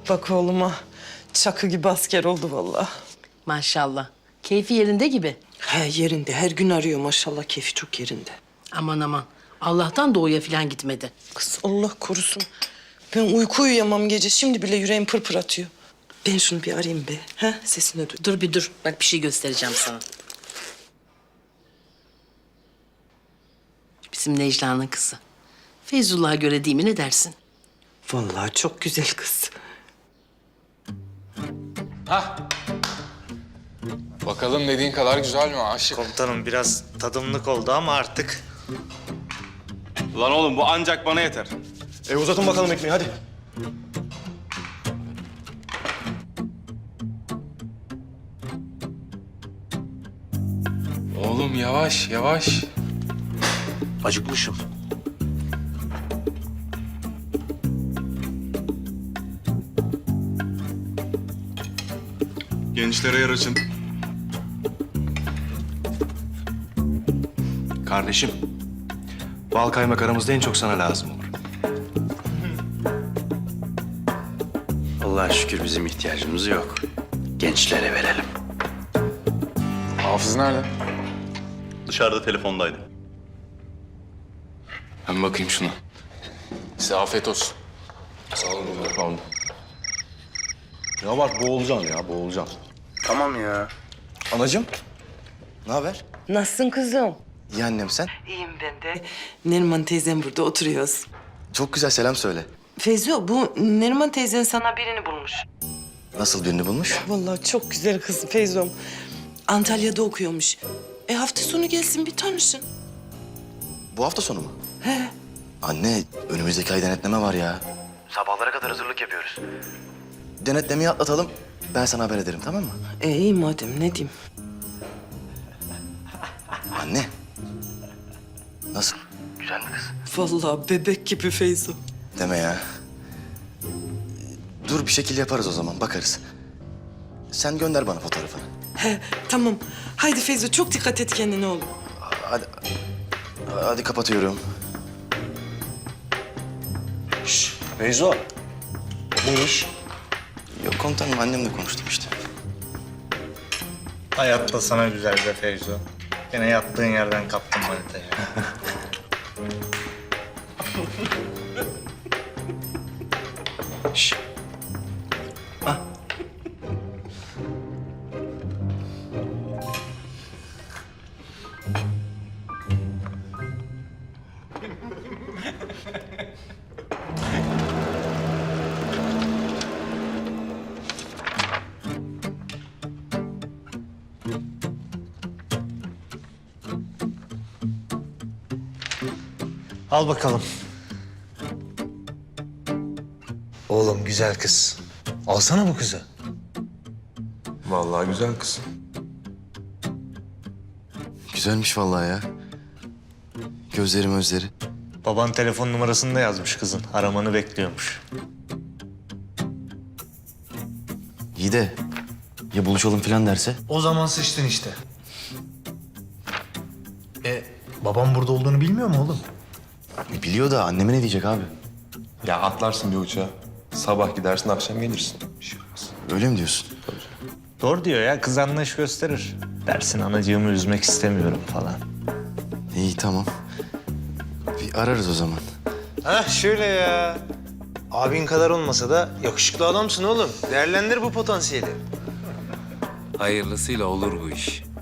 Bak oğluma çakı gibi asker oldu vallahi. Maşallah. Keyfi yerinde gibi. He yerinde, her gün arıyor maşallah, keyfi çok yerinde. Aman aman. Allah'tan doğuya falan gitmedi. Kız Allah korusun. Ben uyku uyuyamam gece, şimdi bile yüreğim pırpır atıyor. Ben şunu bir arayayım be. He, sesini duy. Dur bir dur. Bak bir şey göstereceğim sana. Bizim Necla'nın kızı. Feyzullah'a göre değil mi, ne dersin? Vallahi çok güzel kız. Hah. Bakalım dediğin kadar güzel mi aşık? Komutanım biraz tadımlık oldu ama artık. Lan oğlum bu ancak bana yeter. Uzatın bakalım ekmeği hadi. Oğlum yavaş yavaş. Acıkmışım. Gençlere yer açın. Kardeşim, bal kaymak aramızda en çok sana lazım olur. Allah'a şükür bizim ihtiyacımız yok. Gençlere verelim. Hafız nerede? Dışarıda telefondaydı. Ben bakayım şuna. Size afiyet olsun. Sağ olun. Pardon. Ya bak boğulacaksın ya boğulacaksın. Tamam ya. Anacığım, ne haber? Nasılsın kızım? İyi annem sen. İyiyim ben de. Neriman teyzem burada oturuyoruz. Çok güzel selam söyle. Feyzo, bu Neriman teyzen sana birini bulmuş. Nasıl birini bulmuş? Vallahi çok güzel kız Feyzo'm. Antalya'da okuyormuş. Hafta sonu gelsin bir tanışın. Bu hafta sonu mu? He. Anne, önümüzdeki ay denetleme var ya. Sabahlara kadar hazırlık yapıyoruz. Denetlemeyi atlatalım. Ben sana haber ederim, tamam mı? İyi madem, ne diyeyim? Anne. Nasıl? Güzel mi kız? Vallahi bebek gibi Feyzo. Deme ya. Dur bir şekil yaparız o zaman, bakarız. Sen gönder bana fotoğrafını. He, tamam. Haydi Feyzo, çok dikkat et kendine oğlum. Hadi kapatıyorum. Beyzo. Ne iş? Yok komutanım, annemle konuştum işte. Hayatta sana güzel be Feyzo. Yine yattığın yerden kaptın manitayı. Şş. Ah. Al bakalım. Oğlum güzel kız. Alsana bu kızı. Vallahi güzel kız. Güzelmiş vallahi ya. Gözleri. Baban telefon numarasını da yazmış kızın. Aramanı bekliyormuş. İyi de ya buluşalım falan derse? O zaman sıçtın işte. Babam burada olduğunu bilmiyor mu oğlum? Biliyor da anneme ne diyecek abi? Ya atlarsın bir uçağa. Sabah gidersin, akşam gelirsin. Bir şey olmaz. Öyle mi diyorsun? Doğru diyor ya, kız anlayış gösterir. Dersin anacığımı üzmek istemiyorum falan. İyi tamam. Bir ararız o zaman. Hah şöyle ya. Abin kadar olmasa da yakışıklı adamsın oğlum. Değerlendir bu potansiyeli. Hayırlısıyla olur bu iş.